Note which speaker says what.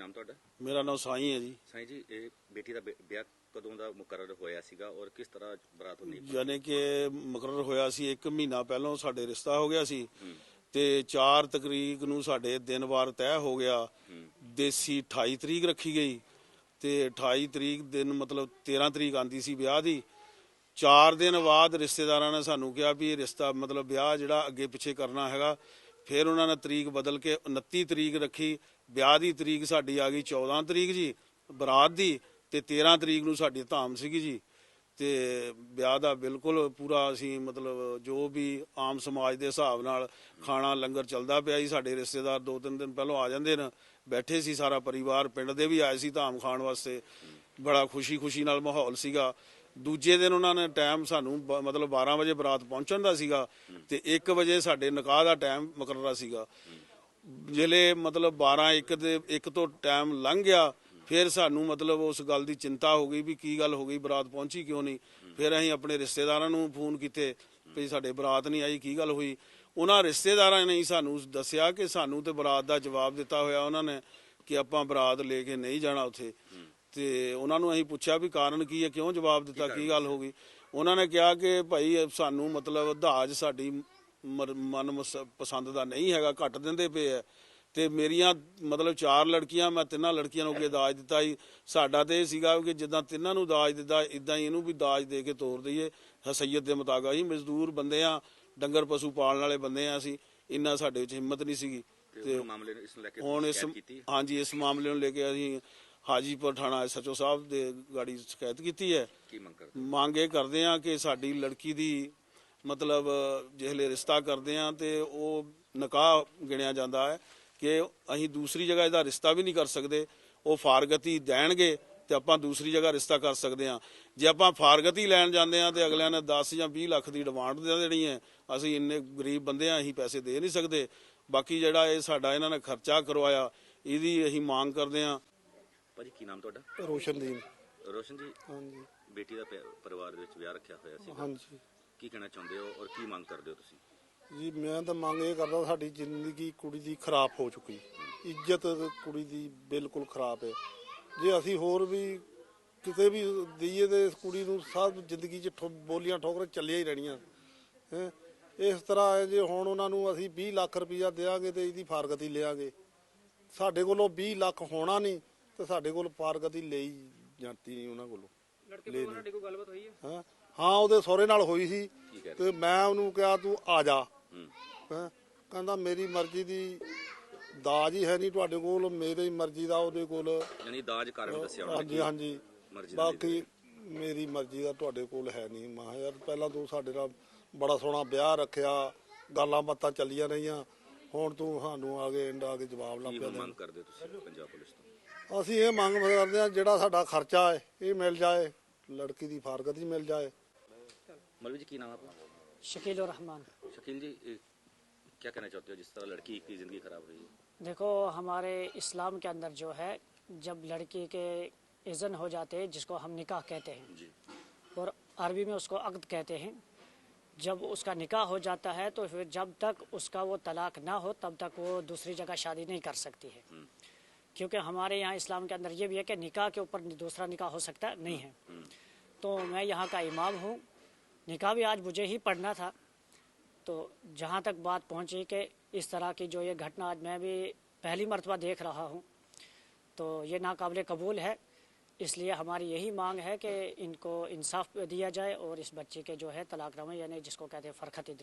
Speaker 1: ਨਾਮ ਤੁਹਾਡਾ?
Speaker 2: ਮੇਰਾ ਨਾਮ ਸਾਈਂ ਹੈ ਜੀ।
Speaker 1: ਸਾਈਂ ਜੀ, ਇਹ ਬੇਟੀ ਦਾ ਵਿਆਹ ਕਦੋਂ ਦਾ ਮੁਕਰਰ ਹੋਇਆ ਸੀਗਾ ਔਰ ਕਿਸ ਤਰ੍ਹਾਂ ਬਰਾਤ ਹੋਣੀ?
Speaker 2: ਯਾਨੀ ਕਿ ਮੁਕਰਰ ਹੋਇਆ ਸੀ 1 ਮਹੀਨਾ ਪਹਿਲਾਂ ਸਾਡੇ ਰਿਸ਼ਤਾ ਹੋ ਗਿਆ ਸੀ ਤੇ 4 ਤਰੀਕ ਨੂੰ ਸਾਡੇ ਦਿਨ ਵਾਰ ਤੈਅ ਹੋ ਗਿਆ। ਦੇਸੀ 28 ਤਰੀਕ ਰੱਖੀ ਗਈ ਤੇ 28 ਤਰੀਕ ਦਿਨ ਮਤਲਬ 13 ਤਰੀਕ ਆਂਦੀ ਸੀ ਵਿਆਹ ਦੀ। 4 ਦਿਨ ਬਾਅਦ ਰਿਸ਼ਤੇਦਾਰਾਂ ਨੇ ਸਾਨੂੰ ਕਿਹਾ ਵੀ ਇਹ ਰਿਸ਼ਤਾ ਮਤਲਬ ਵਿਆਹ ਜਿਹੜਾ ਅੱਗੇ ਪਿੱਛੇ ਕਰਨਾ ਹੈਗਾ। ਫਿਰ ਉਹਨਾਂ ਨੇ ਤਰੀਕ ਬਦਲ ਕੇ 29 ਤਰੀਕ ਰੱਖੀ। ਵਿਆਹ ਦੀ ਤਰੀਕ ਸਾਡੀ ਆ ਗਈ 14 ਤਰੀਕ ਜੀ ਬਰਾਤ ਦੀ, ਤੇ 13 ਤਰੀਕ ਨੂੰ ਸਾਡੀ ਧਾਮ ਸੀਗੀ ਜੀ। ਤੇ ਵਿਆਹ ਦਾ ਬਿਲਕੁਲ ਪੂਰਾ ਅਸੀਂ ਮਤਲਬ ਜੋ ਵੀ ਆਮ ਸਮਾਜ ਦੇ ਹਿਸਾਬ ਨਾਲ ਖਾਣਾ ਲੰਗਰ ਚੱਲਦਾ ਪਿਆ ਜੀ। ਸਾਡੇ ਰਿਸ਼ਤੇਦਾਰ 2-3 ਦਿਨ ਪਹਿਲਾਂ ਆ ਜਾਂਦੇ ਨੇ, ਬੈਠੇ ਸੀ ਸਾਰਾ ਪਰਿਵਾਰ, ਪਿੰਡ ਦੇ ਵੀ ਆਏ ਸੀ ਧਾਮ ਖਾਣ ਵਾਸਤੇ। ਬੜਾ ਖੁਸ਼ੀ ਨਾਲ ਮਾਹੌਲ ਸੀਗਾ। ਦੂਜੇ ਦਿਨ ਉਹਨਾਂ ਨੇ ਟਾਈਮ ਸਾਨੂੰ ਮਤਲਬ 12 ਵਜੇ ਬਰਾਤ ਪਹੁੰਚਣ ਦਾ ਸੀਗਾ ਤੇ 1 ਵਜੇ ਸਾਡੇ ਨਿਕਾਹ ਦਾ ਟਾਈਮ ਮੁਕਰਰਾ ਸੀਗਾ। ਜਿਹੜੇ ਮਤਲਬ 12-1 ਤੋਂ ਟਾਈਮ ਲੰਘ ਗਿਆ, ਫਿਰ ਸਾਨੂੰ ਮਤਲਬ ਉਸ ਗੱਲ ਦੀ ਚਿੰਤਾ ਹੋ ਗਈ ਵੀ ਕੀ ਗੱਲ ਹੋ ਗਈ, ਬਰਾਤ ਪਹੁੰਚੀ ਕਿਉਂ ਨਹੀਂ। ਫਿਰ ਅਸੀਂ ਆਪਣੇ ਰਿਸ਼ਤੇਦਾਰਾਂ ਨੂੰ ਫੋਨ ਕੀਤੇ ਵੀ ਸਾਡੇ ਬਰਾਤ ਨਹੀਂ ਆਈ, ਕੀ ਗੱਲ ਹੋਈ। ਉਹਨਾਂ ਰਿਸ਼ਤੇਦਾਰਾਂ ਨੇ ਸਾਨੂੰ ਦੱਸਿਆ ਕਿ ਸਾਨੂੰ ਤੇ ਬਰਾਤ ਦਾ ਜਵਾਬ ਦਿੱਤਾ ਹੋਇਆ ਉਹਨਾਂ ਨੇ ਕਿ ਆਪਾਂ ਬਰਾਤ ਲੈ ਕੇ ਨਹੀਂ ਜਾਣਾ ਉੱਥੇ। ਤੇ ਉਹਨਾਂ ਨੂੰ ਅਸੀਂ ਪੁੱਛਿਆ ਵੀ ਕਾਰਨ ਕੀ ਹੈ, ਕਿਉਂ ਜਵਾਬ ਦਿੱਤਾ, ਕੀ ਗੱਲ ਹੋ ਗਈ। ਉਹਨਾਂ ਨੇ ਕਿਹਾ ਕਿ ਭਾਈ ਸਾਨੂੰ ਮਤਲਬ ਦਾਜ ਸਾਡੀ ਮਨ ਪਸੰਦ ਦਾ ਨਹੀਂ ਹੈਗਾ, ਘੱਟ ਦਿੰਦੇ ਪਏ ਹੈ। ਤੇ ਮੇਰੀਆਂ ਮਤਲਬ 4 ਲੜਕੀਆਂ, ਮੈਂ 3 ਲੜਕੀਆਂ ਨੂੰ ਅੱਗੇ ਦਾਜ ਦਿੱਤਾ ਸੀ। ਸਾਡਾ ਤੇ ਇਹ ਸੀਗਾ ਕਿ ਜਿੱਦਾਂ 3 ਨੂੰ ਦਾਜ ਦਿੱਤਾ ਇਦਾਂ ਹੀ ਇਹਨੂੰ ਵੀ ਦਾਜ ਦੇ ਕੇ ਤੋਰ ਦਈਏ ਹਸਈਅਤ ਦੇ ਮੁਤਾਬਕ। ਅਸੀਂ ਮਜ਼ਦੂਰ ਬੰਦੇ ਆ, ਡੰਗਰ ਪਸ਼ੂ ਪਾਲਣ ਵਾਲੇ ਬੰਦੇ ਆ, ਅਸੀਂ ਇੰਨਾ ਸਾਡੇ ਵਿੱਚ ਹਿੰਮਤ ਨਹੀਂ ਸੀਗੀ। ਤੇ ਹੁਣ ਇਸ ਮਾਮਲੇ ਨੂੰ ਲੈ ਕੇ ਅਸੀਂ ਹਾਜੀਪੁਰ ਥਾਣਾ SHO ਸਾਹਿਬ ਦੇ ਗਾੜੀ ਸ਼ਿਕਾਇਤ ਕੀਤੀ ਹੈ। ਮੰਗ ਇਹ ਕਰਦੇ ਆ ਕਿ ਸਾਡੀ ਲੜਕੀ ਦੀ ਮਤਲਬ ਜਿਹੜੇ ਰਿਸ਼ਤਾ ਕਰਦੇ ਆ ਤੇ ਉਹ ਨਿਕਾਹ ਗਿਣਿਆ ਜਾਂਦਾ ਹੈ ਕਿ ਅਸੀਂ ਦੂਸਰੀ ਜਗ੍ਹਾ ਇਹਦਾ ਰਿਸ਼ਤਾ ਵੀ ਨਹੀਂ ਕਰ ਸਕਦੇ। ਉਹ ਫਾਰਗਤੀ ਦੇਣਗੇ ਤੇ ਆਪਾਂ ਦੂਸਰੀ ਜਗ੍ਹਾ ਰਿਸ਼ਤਾ ਕਰ ਸਕਦੇ ਹਾਂ। ਜੇ ਆਪਾਂ ਫਾਰਗਤੀ ਲੈਣ ਜਾਂਦੇ ਹਾਂ ਤੇ ਅਗਲਿਆਂ ਨੇ 10 ਜਾਂ 20 ਲੱਖ ਦੀ ਡਿਮਾਂਡ ਦੇ ਦੇਣੀ ਹੈ। ਅਸੀਂ ਇੰਨੇ ਗਰੀਬ ਬੰਦੇ ਆ, ਅਸੀਂ ਪੈਸੇ ਦੇ ਨਹੀਂ ਸਕਦੇ। ਬਾਕੀ ਜਿਹੜਾ ਇਹ ਸਾਡਾ ਇਹਨਾਂ ਨੇ ਖਰਚਾ ਕਰਵਾਇਆ, ਇਹਦੀ ਅਸੀਂ ਮੰਗ ਕਰਦੇ ਹਾਂ।
Speaker 1: ਭਾਜੀ ਕੀ ਨਾਮ ਤੁਹਾਡਾ?
Speaker 3: ਰੋਸ਼ਨਦੀਨ।
Speaker 1: ਰੋਸ਼ਨ ਜੀ,
Speaker 3: ਹਾਂਜੀ।
Speaker 1: ਬੇਟੀ ਦਾ ਪਰਿਵਾਰ ਦੇ ਵਿੱਚ ਵਿਆਹ ਰੱਖਿਆ ਹੋਇਆ ਸੀ,
Speaker 3: ਹਾਂਜੀ।
Speaker 1: ਕੀ ਕਹਿਣਾ ਚਾਹੁੰਦੇ ਹੋ ਔਰ ਕੀ ਮੰਗ ਕਰਦੇ ਹੋ ਤੁਸੀਂ?
Speaker 3: ਜੀ ਮੈਂ ਤਾਂ ਮੰਗ ਇਹ ਕਰਦਾ, ਸਾਡੀ ਜ਼ਿੰਦਗੀ ਕੁੜੀ ਦੀ ਖਰਾਬ ਹੋ ਚੁੱਕੀ, ਇੱਜ਼ਤ ਕੁੜੀ ਦੀ ਬਿਲਕੁਲ ਖਰਾਬ ਹੈ। ਜੇ ਅਸੀਂ ਹੋਰ ਵੀ ਕਿਤੇ ਵੀ ਦਈਏ ਤੇ ਇਸ ਕੁੜੀ ਨੂੰ ਸਭ ਜ਼ਿੰਦਗੀ 'ਚ ਬੋਲੀਆਂ ਠੋਕਰਾਂ ਚੱਲੀਆਂ ਹੀ ਰਹਿਣੀਆਂ ਹੈ। ਇਸ ਤਰ੍ਹਾਂ ਹੈ ਜੇ ਹੁਣ ਉਹਨਾਂ ਨੂੰ ਅਸੀਂ 20 ਲੱਖ ਰੁਪਈਆ ਦੇਵਾਂਗੇ ਤੇ ਇਹਦੀ ਫਾਰਗਤੀ ਲਿਆਂਗੇ। ਸਾਡੇ ਕੋਲੋਂ 20 ਲੱਖ ਹੋਣਾ ਨਹੀਂ ਤੇ ਸਾਡੇ ਕੋਲ ਫਾਰਗਤੀ ਲਈ ਜਾਂਦੀ ਨਹੀਂ ਉਹਨਾਂ ਕੋਲੋਂ।
Speaker 4: ਤੁਹਾਡੀ ਕੋਈ ਗੱਲਬਾਤ ਹੋਈ ਹੈ?
Speaker 3: ਹਾਂ ਉਹਦੇ ਸਹੁਰੇ ਨਾਲ ਹੋਈ ਸੀ ਤੇ ਮੈਂ ਉਹਨੂੰ ਕਿਹਾ ਤੂੰ ਆ ਜਾ। ਕਹਿੰਦਾ ਮੇਰੀ ਮਰਜ਼ੀ ਦੀ ਦਾਜ ਹੀ ਹੈ ਨਹੀਂ ਤੁਹਾਡੇ ਕੋਲ, ਮੇਰੀ ਮਰਜ਼ੀ ਦਾ ਉਹਦੇ ਕੋਲ
Speaker 1: ਯਾਨੀ ਦਾਜ ਕਾਰਨ ਦੱਸਿਆ।
Speaker 3: ਹਾਂਜੀ। ਬਾਕੀ ਮੇਰੀ ਮਰਜ਼ੀ ਦਾ ਤੁਹਾਡੇ ਕੋਲ ਹੈ ਨਹੀਂ। ਮੈਂ ਕਿਹਾ ਯਾਰ ਪਹਿਲਾਂ ਤੂੰ ਸਾਡੇ ਨਾਲ ਬੜਾ ਸੋਹਣਾ ਵਿਆਹ ਰੱਖਿਆ, ਗੱਲਾਂ ਬਾਤਾਂ ਚੱਲੀਆਂ ਰਹੀਆਂ, ਹੁਣ ਤੂੰ ਸਾਨੂੰ ਆ ਕੇ ਜਵਾਬ ਲਾ ਪਿਆ।
Speaker 1: ਮੰਗ ਕਰਦੇ ਤੁਸੀਂ ਪੰਜਾਬ ਪੁਲਿਸ ਤੋਂ?
Speaker 3: ਅਸੀਂ ਇਹ ਮੰਗ ਕਰਦੇ ਹਾਂ ਜਿਹੜਾ ਸਾਡਾ ਖਰਚਾ ਹੈ ਇਹ ਮਿਲ ਜਾਏ, ਲੜਕੀ ਦੀ ਫਾਰਗਤੀ ਮਿਲ ਜਾਏ।
Speaker 1: मौलवी जी, की नाम आपका?
Speaker 4: शकील और रहमान।
Speaker 1: शकील जी, क्या कहना चाहते हो जिस तरह लड़की की ज़िंदगी ख़राब रही है?
Speaker 4: देखो हमारे इस्लाम के अंदर जो है, जब लड़की के इज़्न हो जाते हैं जिसको हम निकाह कहते हैं जी, और अरबी में उसको अक़्द कहते हैं, जब उसका निकाह हो जाता है तो फिर जब तक उसका वो तलाक ना हो तब तक वो दूसरी जगह शादी नहीं कर सकती है। क्योंकि हमारे यहाँ इस्लाम के अंदर ये भी है कि निकाह के ऊपर दूसरा निकाह हो सकता नहीं है। तो मैं यहाँ का इमाम हूँ, निकाह भी आज मुझे ही पढ़ना था। तो जहाँ तक बात पहुँची कि इस तरह की जो ये घटना आज मैं भी पहली मर्तबा देख रहा हूँ, तो ये नाकाबिले कबूल है। इसलिए हमारी यही मांग है कि इनको इंसाफ दिया जाए और इस बच्चे के जो है तलाकनामे यानी जिसको कहते हैं फरखत